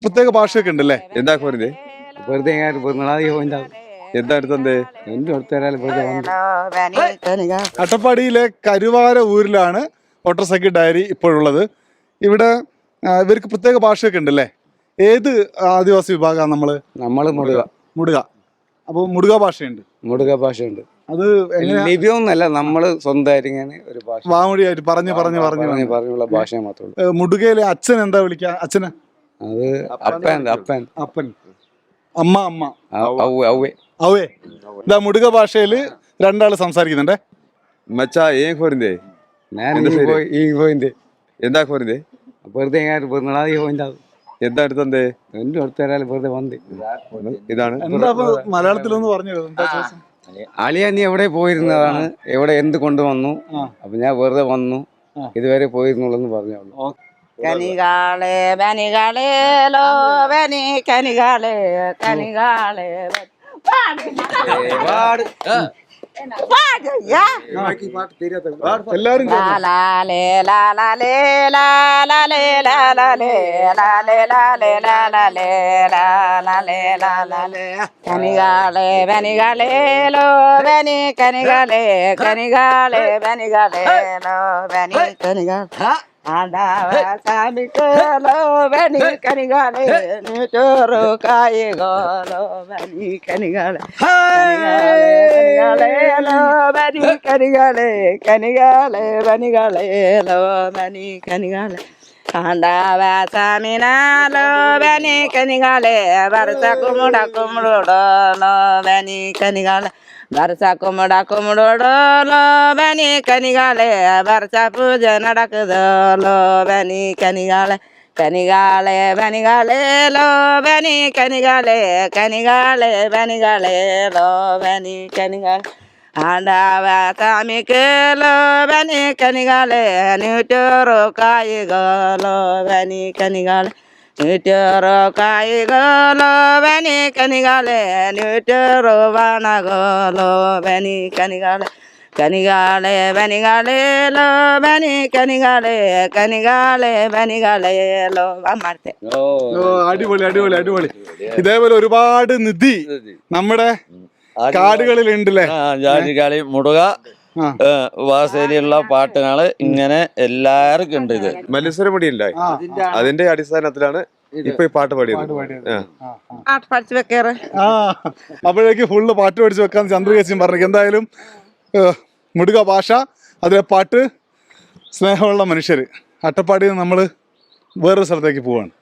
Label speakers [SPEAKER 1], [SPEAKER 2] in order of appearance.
[SPEAKER 1] പ്രത്യേക ഭാഷയൊക്കെ ഉണ്ടല്ലേ?
[SPEAKER 2] എന്താ പോരുത്
[SPEAKER 3] വെറുതെ
[SPEAKER 2] എന്താ എടുത്തേ
[SPEAKER 1] അട്ടപ്പാടിയിലെ കരുവാര ഊരിലാണ് ഓട്ടർസൈക്കിൾ ഡയറി ഇപ്പോഴുള്ളത്. ഇവിടെ ഇവർക്ക് പ്രത്യേക ഭാഷയൊക്കെ ഉണ്ടല്ലേ? ഏത് ആദിവാസി വിഭാഗമാണ്
[SPEAKER 3] നമ്മള്
[SPEAKER 1] മുടുക. അപ്പോൾ മുടുക ഭാഷയുണ്ട്.
[SPEAKER 3] മുടുക ഭാഷയുണ്ട്.
[SPEAKER 1] അത്
[SPEAKER 3] ലിപിയൊന്നല്ല, നമ്മള് സ്വന്തമായിട്ട് ഇങ്ങനെ ഒരു ഭാഷ
[SPEAKER 1] വാമൊഴിയായിട്ട് പറഞ്ഞുള്ള
[SPEAKER 3] ഭാഷ മാത്രമേ.
[SPEAKER 1] മുടുകയിലെ അച്ഛൻ എന്താ വിളിക്കുക? അച്ഛന്
[SPEAKER 3] അത് അപ്പൻ
[SPEAKER 1] അപ്പൻ, അമ്മ അമ്മ,
[SPEAKER 3] അവേ.
[SPEAKER 1] ഇതാ മുടുക ഭാഷയിൽ രണ്ടാള് സംസാരിക്കുന്നുണ്ടേ.
[SPEAKER 2] മച്ചാ ഏൻ പോരുന്നേ എന്താ പോരുന്നേ
[SPEAKER 3] വെറുതെ
[SPEAKER 2] എന്താ എടുത്തേ
[SPEAKER 3] വെറുതെ വന്ന്
[SPEAKER 2] ഇതാണ്
[SPEAKER 1] മലയാളത്തിലൊന്ന് പറഞ്ഞു.
[SPEAKER 3] അളിയ നീ എവിടെ പോയിരുന്നതാണ്, എവിടെ എന്ത് കൊണ്ടുവന്നു? അപ്പൊ ഞാൻ വെറുതെ വന്നു, ഇതുവരെ പോയിരുന്നുള്ളെന്ന് പറഞ്ഞോളൂ.
[SPEAKER 4] കനികാളെ ബനികാളെ ലോ ബനി കനികാളെ കനികാളെ
[SPEAKER 1] എല്ലാരും
[SPEAKER 4] ലാലാലേ ലാലാലേ ലാലാലേ ലാലാലേ ലാലേ ലാലേ ലാലാലേ ലാലാലേ ലാലാലേ കനികാളെ ബനികാളെ ലോ ബനി കനികാളെ കനികാളെ ബനികാളെ ലോ ബനി കനികാളെ ആണ്ടാവാസാമിക്കലോ ബനി കനികാളെ ചോറു കായകോലോ ബനി കനികാളെ കനികാളെ ലോ ബനി കനികാളെ കനികാളെ ബനികാളെ ലോ ബനി കനികാളെ ആണ്ടാവാസാമിനാലോ ബനി കനികാളെ വരസ കുമുട കുമുടോ ലോ ബനി കനികാളെ വർഷ കുമുട കുമുടോടോ ബനി കനികാളെ വർഷ പൂജ നടക്കുതോ ബനി കനികാളെ കനികാളെ ബനികാളെ ലോ ബനി കനികാളെ കനികാളെ ബനികാളെ ലോ ബനി കനികാളെ ആണ്ടാവാസാമിക്കലോ ബനി കനികാളെ നൂറ്റോറു കായികലോ ബനി കനികാളെ നൂറ്റോറു കായികലോ ബനി കനികാളെ നൂറ്റോറു വണകോലോ ബനി കനികാളെ കനികാളെ ബനികാളെ ലോ ബനി കനികാളെ കനികാളെ ബനികാളെ ലോ അമ്മത്തെ.
[SPEAKER 1] അടിപൊളി അടിപൊളി അടിപൊളി. ഇതേപോലെ ഒരുപാട് നിധി നമ്മുടെ കാടുകളിൽ ഉണ്ടല്ലേ?
[SPEAKER 5] ജാതികളി മുടുക വാസേലിയുള്ള പാട്ടുകള് ഇങ്ങനെ എല്ലാവർക്കും ഉണ്ട്. ഇത്
[SPEAKER 2] മത്സരപടി ഉണ്ടായി, അതിന്റെ അടിസ്ഥാനത്തിലാണ് ഇപ്പൊ ഈ പാട്ട് പാടിയത്.
[SPEAKER 4] പഠിച്ചു വെക്കാറ്.
[SPEAKER 1] അപ്പോഴേക്ക് ഫുള്ള് പാട്ട് പഠിച്ചു വെക്കാന്ന് ചന്ദ്രകേശൻ പറഞ്ഞു. എന്തായാലും മുടുക ഭാഷ, അതിലെ പാട്ട്, സ്നേഹമുള്ള മനുഷ്യര്. അട്ടപ്പാടിയിൽ നിന്ന് നമ്മൾ വേറൊരു സ്ഥലത്തേക്ക് പോവാണ്.